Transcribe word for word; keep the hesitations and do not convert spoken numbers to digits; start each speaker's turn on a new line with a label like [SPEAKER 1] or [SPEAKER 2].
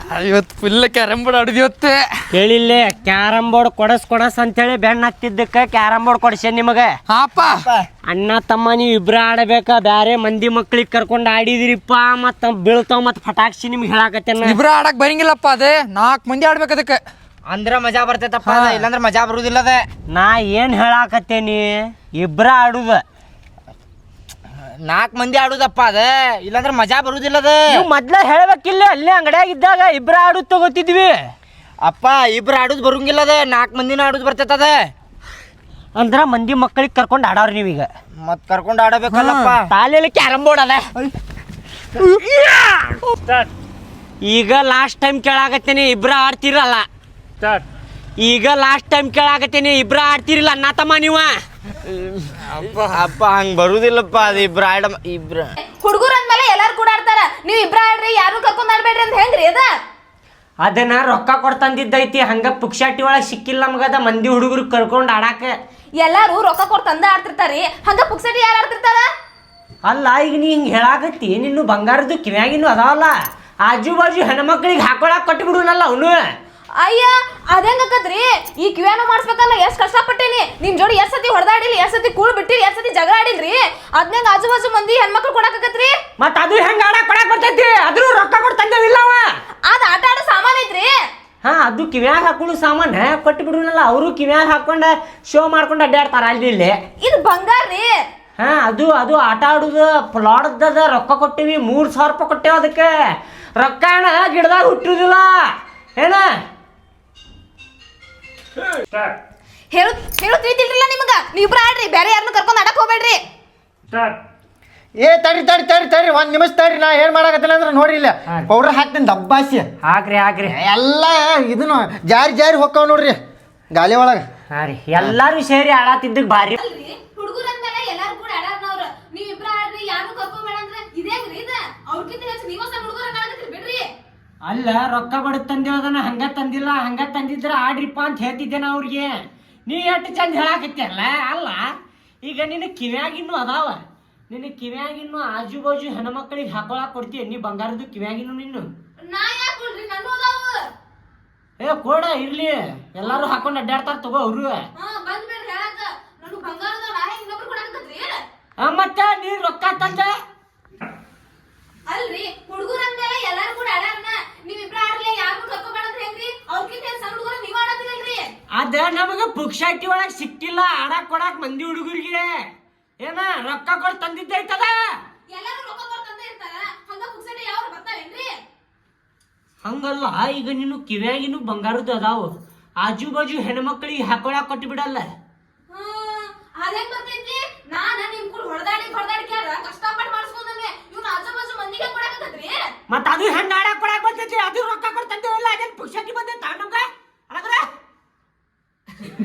[SPEAKER 1] ಇವತ್ತು full carrom board ಆಡಿದ್ಯವತ್ತೆ.
[SPEAKER 2] ಕೇಳಿಲ್ಲ carrom board ಕೊಡಸ್ ಕೊಡಸ್ ಅಂತೇಳಿ ಬೆಣ್ಣ ಹತ್ತಿದ್ದಕ್ಕೆ ಕ್ಯಾರಮ್ ಬೋರ್ಡ್ ಕೊಡ್ಸೇನ್ ನಿಮಗೆ.
[SPEAKER 1] ಹಾಪ
[SPEAKER 2] ಅಣ್ಣ ತಮ್ಮ ನೀವು ಇಬ್ರ ಆಡಬೇಕ, ಬ್ಯಾರೆ ಮಂದಿ ಮಕ್ಳಿಗೆ ಕರ್ಕೊಂಡು ಆಡಿದಿರಿಪ್ಪ. ಮತ್ತ ಬೀಳ್ತಾವ ಮತ್ತ ಪಟಾಕ್ಷಿ ನಿಮ್ಗೆ ಹೇಳಾಕತ್ತೇನ.
[SPEAKER 1] ಇಬ್ರ ಆಡಕ್ ಬರಂಗಿಲ್ಲಪ್ಪ, ಅದೇ ನಾಲ್ಕು ಮಂದಿ ಆಡ್ಬೇಕು ಅದಕ್ಕೆ.
[SPEAKER 3] ಅಂದ್ರ ಮಜಾ ಬರ್ತೈತಪ್ಪ, ಇಲ್ಲಾಂದ್ರ ಮಜಾ ಬರುದಿಲ್ಲ ಅದ.
[SPEAKER 2] ನಾ ಏನ್ ಹೇಳಾಕತ್ತೇನಿ, ಇಬ್ರ ಆಡುದ.
[SPEAKER 3] ನಾಲ್ಕು ಮಂದಿ ಆಡುದಪ್ಪ ಅದ, ಇಲ್ಲಾಂದ್ರ ಮಜಾ ಬರುದಿಲ್ಲ ಅದ.
[SPEAKER 2] ನೀವು ಮೊದ್ಲ ಹೇಳ್ಬೇಕಿಲ್ಲ, ಅಲ್ಲೇ ಅಂಗಡಿಯಾಗ ಇದ್ದಾಗ ಇಬ್ರ ಆಡುದ್ ತಗೋತಿದ್ವಿ.
[SPEAKER 3] ಅಪ್ಪ ಇಬ್ರು ಆಡುದ್ ಬರಂಗಿಲ್ಲ ಅದ, ನಾಲ್ಕು ಮಂದಿನ ಆಡುದ್ ಬರ್ತೈತದ.
[SPEAKER 2] ಅಂದ್ರ ಮಂದಿ ಮಕ್ಕಳಿಗೆ ಕರ್ಕೊಂಡು ಆಡವ್ರಿ ನೀವೀಗ.
[SPEAKER 3] ಮತ್ ಕರ್ಕೊಂಡು ಆಡಬೇಕಲ್ಲಪ್ಪ.
[SPEAKER 2] ತಾಲೆಯಲ್ಲಿ ಕ್ಯಾರಮ್ ಬೋರ್ಡ್ ಅದ. ಈಗ ಲಾಸ್ಟ್ ಟೈಮ್ ಕೇಳಾಕತ್ತೇನಿ, ಇಬ್ರ ಆಡ್ತಿರಲ್ಲ. ಈಗ ಲಾಸ್ಟ್ ಟೈಮ್ ಕೇಳಾಕತ್ತೇನಿ, ಇಬ್ರ ಆಡ್ತಿರಿಲ್ಲ ಅಣ್ಣ ತಮ್ಮ ನೀವ.
[SPEAKER 3] ಅಪ್ಪ ಹಂಗ ಬರುದಿಲ್ಲಪ್ಪ, ಅದು ಇಬ್ರ ಆಡ ಇಬ್ರ
[SPEAKER 4] ಹುಡುಗರ ಅಂದ್ಮೇಲೆ ಎಲ್ಲಾರು ಕೂಡ ಆಡ್ತಾರ. ನೀವ್ ಇಬ್ರ ಆಡ್ರಿ, ಯಾರು ಕರ್ಕೊಂಡ್ ಆಡ್ಬೇಡ್ರಿ ಅಂತ ಹೆಂಗ್ರಿ ಅದ?
[SPEAKER 2] ಅದನ್ನ ರೊಕ್ಕ ಕೊಡ್ತಂದಿದ್ದೈತಿ, ಹಂಗ ಪುಕ್ಷಾಟಿ ಒಳಗೆ ಸಿಕ್ಕಿಲ್ಲ ನಮಗದ ಮಂದಿ ಹುಡುಗರು ಕರ್ಕೊಂಡು ಆಡಾಕ.
[SPEAKER 4] ಎಲ್ಲಾರು ರೊಕ್ಕ ಕೊಟ್ಟು ತಂದ ಆಡ್ತಿರ್ತಾರಿ, ಹಂಗ ಪುಕ್ಸಟಿ ಯಾರು ಆಡ್ತಿರ್ತಾರ?
[SPEAKER 2] ಅಲ್ಲ ಈಗ ನೀ ಹಿಂಗೆ ಹೇಳಾಕತ್ತಿ, ನಿನ್ನು ಬಂಗಾರದ್ದು ಕಿವ್ಯಾಗಿನ್ನು ಅದಾವಲ್ಲ, ಆಜು ಬಾಜು ಹೆಣ್ಮಕ್ಳಿಗೆ ಹಾಕೊಳಕ್ ಕೊಟ್ಬಿಡುನಲ್ಲ ಅವನು.
[SPEAKER 4] ಅಯ್ಯ ಅದೇಂಗಕ್ಕದ್ರಿ, ಈ ಕಿವ್ಯಾನು ಮಾಡಿಸ್ಬೇಕಲ್ಲ ಎಷ್ಟ್ ಕಷ್ಟಪಟ್ಟೇನಿ. ನಿಮ್ ಜೋಡಿ ಎಷ್ಟ್ ಸತಿ ಹೊಡೆದಾಡಿಲಿ, ಎಷ್ಟ್ ಸತಿ ಕೂಳ್ ಬಿಟ್ಟಿರಿ, ಎಷ್ಟ್ ಸತಿ ಜಗಳ ಆಡಿಲ್ರಿ. ಅದ್ನಂಗ ಆಜು ಬಾಜು ಮಂದಿ ಹೆಣ್ಮಕ್ಳು ಕೊಡಾಕತ್ರಿ.
[SPEAKER 2] ಮತ್ತ ಅದು ಹೆಂಗ ಆಡಕ್ ಕೊಡಕ್ ಬರ್ತೈತಿ? ಅದ್ರೂ ರೊಕ್ಕ ಕೊಟ್ಟು ತಂದೇವಿಲ್ಲ ಅವ.
[SPEAKER 4] ಅದ್ ಆಟ ಆಡೋ ಸಾಮಾನ್ ಐತ್ರಿ.
[SPEAKER 2] ಹಾ, ಅದು ಕಿವ್ಯಾಗ ಹಾಕೊಳ್ಳು ಸಾಮಾನ ಕೊಟ್ಟು ಬಿಡುನಲ್ಲ, ಅವರು ಕಿವ್ಯಾಗ ಹಾಕೊಂಡ ಶೋ ಮಾಡ್ಕೊಂಡು ಅಡ್ಡಾಡ್ತಾರ ಅಲ್ಲಿ ಇಲ್ಲಿ.
[SPEAKER 4] ಇದು ಬಂಗಾರ ರೀ.
[SPEAKER 2] ಹಾ, ಅದು ಅದು ಆಟ ಆಡುದು ಪ್ಲಾಡ್ದ ರೊಕ್ಕ ಕೊಟ್ಟಿವಿ, ಮೂರ್ ಸಾವಿರ ರೂಪಾಯಿ ಕೊಟ್ಟೇವ ಅದಕ್ಕೆ. ರೊಕ್ಕ ಅಣ್ಣ ಗಿಡದಾಗ ಹುಟ್ಟಿರುದಿಲ್ಲ ಏನ.
[SPEAKER 4] ಹೇಳು ಹೇಳು ತಿಳಿತಿಲ್ರಿಲ್ಲ ನಿಮಗ. ನೀವಿಬ್ರ ಆಡ್ರಿ, ಬೇರೆ ಯಾರನ್ನು ಕರ್ಕೊಂಡು ಆಡಕ್ ಹೋಗ್ಬೇಡ್ರಿ.
[SPEAKER 5] ಏ ತಡಿ ತಡಿ ತಡಿ ತಡಿ ಒಂದ್ ನಿಮಿಷ ತಡಿ. ನಾ ಏನ್ ಮಾಡಾಕತ್ತಿಲ್ಲ ಅಂದ್ರೆ ನೋಡ್ರಿ, ಇಲ್ಲ ಪೌಡರ್ ಹಾಕ್ತೀನಿ ದಬ್ಬಾಸಿ.
[SPEAKER 2] ಹಾಕ್ರಿ ಹಾಕ್ರಿ.
[SPEAKER 5] ಎಲ್ಲ ಇದನ್ನು ಜಾರಿ ಜಾರಿ ಹೊಕ್ಕಾವ ನೋಡ್ರಿ ಗಾಲಿ ಒಳಗ.
[SPEAKER 2] ಹಾ ರೀ, ಎಲ್ಲಾರು ಸೇರಿ ಆಡಾತಿದ್ದಕ್ ಬಾರಿ.
[SPEAKER 4] ಹುಡುಗರ ಅಂದ್ಮೇಲೆ ಎಲ್ಲಾರು ಕೂಡ ಆಡಾರ್ನವ್ರ. ನೀವಿಬ್ರ ಆಡ್ರಿ, ಯಾರು ಕರ್ಕೊಂಬೇಡ ಅಂದ್ರೆ ಇದೇನ್ರಿ ಇದ? ಅವ್ರಕ್ಕಿಂತ ಹೆಚ್ಚು ನೀವ ಸಣ್ಣ ಹುಡುಗರ ಕಾಣಕತ್ತೀರಿ ಬಿಡ್ರಿ.
[SPEAKER 2] ಅಲ್ಲ, ರೊಕ್ಕ ಬಡದ್ ತಂದಿರೋದನ್ನ ಹಂಗ ತಂದಿಲ್ಲ, ಹಂಗ ತಂದಿದ್ರ ಆಡ್ರಿಪ್ಪ ಅಂತ ಹೇಳ್ತಿದ್ದೆ ನಾ ಅವ್ರಿಗೆ. ನೀ ಎಷ್ಟು ಚಂದ ಹೇಳಾಕತ್ತಲ್ಲ. ಅಲ್ಲ ಈಗ ನಿನ್ನ ಕಿವ್ಯಾಗಿನ್ನು ಅದಾವ, ನಿನ್ನ ಕಿವ್ಯಾಗಿನ್ನು ಆಜು ಬಾಜು ಹೆಣ್ಮಕ್ಳಿಗೆ ಹಾಕೊಳಕ್ ಕೊಡ್ತೀಯ ನೀ ಬಂಗಾರದ್ದು ಕಿವ್ಯಾಗಿನ್ನು ನಿನ್ನು.
[SPEAKER 4] ನಾ ಯಾಕೆ ಕೊಡ್ರಿ, ನಾನು ಅದಾವ.
[SPEAKER 2] ಏ ಕೊಡ ಇರ್ಲಿ, ಎಲ್ಲಾರು ಹಾಕೊಂಡ್ ಅಡ್ಡಾಡ್ತಾರ ತಗೋ ಅವ್ರು.
[SPEAKER 4] ಹಾ ಬಂದ್ಬೇಡ್ರಿ ಹೇಳಕ. ನಾನು ಬಂಗಾರದ ನಾ ಹೆಂಗ್ ಇನ್ನೊಬ್ರು ಕೊಡಾಕತ್ರಿ?
[SPEAKER 2] ಮತ್ತ ನೀ ರೊಕ್ಕ ತಂದ
[SPEAKER 4] ಅಲ್ರಿ, ಹುಡುಗರ ಅಂದ್ಮೇಲೆ ಎಲ್ಲಾರು ಕೂಡ ಆಡಾರ್ನ. ನೀವಿಬ್ರ ಆಡ್ಲಿ, ಯಾರು ಕರ್ಕೊಂಬೇಡ ಅಂತ ಹೆಂಗ್ರಿ? ಅವ್ರಕ್ಕಿಂತ ಹೆಚ್ಚು ಸಣ್ಣ ಹುಡುಗರ ನೀವ್ ಆಡತ್ತಿರಲ್ರಿ.
[SPEAKER 2] ಅದ ನಮಗ ಪುಕ್ಷಾಟಿ ಒಳಗ್ ಸಿಕ್ಕಿಲ್ಲ ಆಡಾಕ್ ಕೊಡಾಕ್ ಮಂದಿ ಹುಡುಗರಿಗೆ. ಏನ ರೊಕ್ಕ ಕೊಡ್ ತಂದಿದ್ದೈತದ.
[SPEAKER 4] ಎಲ್ಲಾರು ರೊಕ್ಕ ಕೊಡ್ತಂತ ಇರ್ತಾರ, ಹಂಗ ಪುಕ್ಸಟಿ ಯಾವ ಬರ್ತಾವೇನ್ರಿ?
[SPEAKER 2] ಹಂಗಲ್ಲ, ಈಗ ನೀನು ಕಿವ್ಯಾಗಿನ್ನು ಬಂಗಾರದ್ದು ಅದಾವು, ಆಜು ಬಾಜು ಹೆಣ್ಮಕ್ಳಿಗೆ ಹಾಕೊಳಕ್ ಕೊಟ್ಟು ಬಿಡಲ್ಲ.
[SPEAKER 4] ಹ್ಮ್ ಅದೇನ್ ಬರ್ತೈತಿ? ನಾನ ನಿಮ್ ಕೂಡ ಹೊಡೆದಾಡಿ ಹೊಡೆದಾಡಿ ಕ್ಯಾರ ಕಷ್ಟಪಟ್ಟು ಮಾಡಿಸ್ಕೊಂಡನೆ ಇವ್ನ ಆಜು ಬಾಜು ಮಂದಿಗೆ ಕೊಡಾಕತ್ರಿ.
[SPEAKER 2] ಮತ್ತ ಅದು ಹೆಂಗ ಆಡ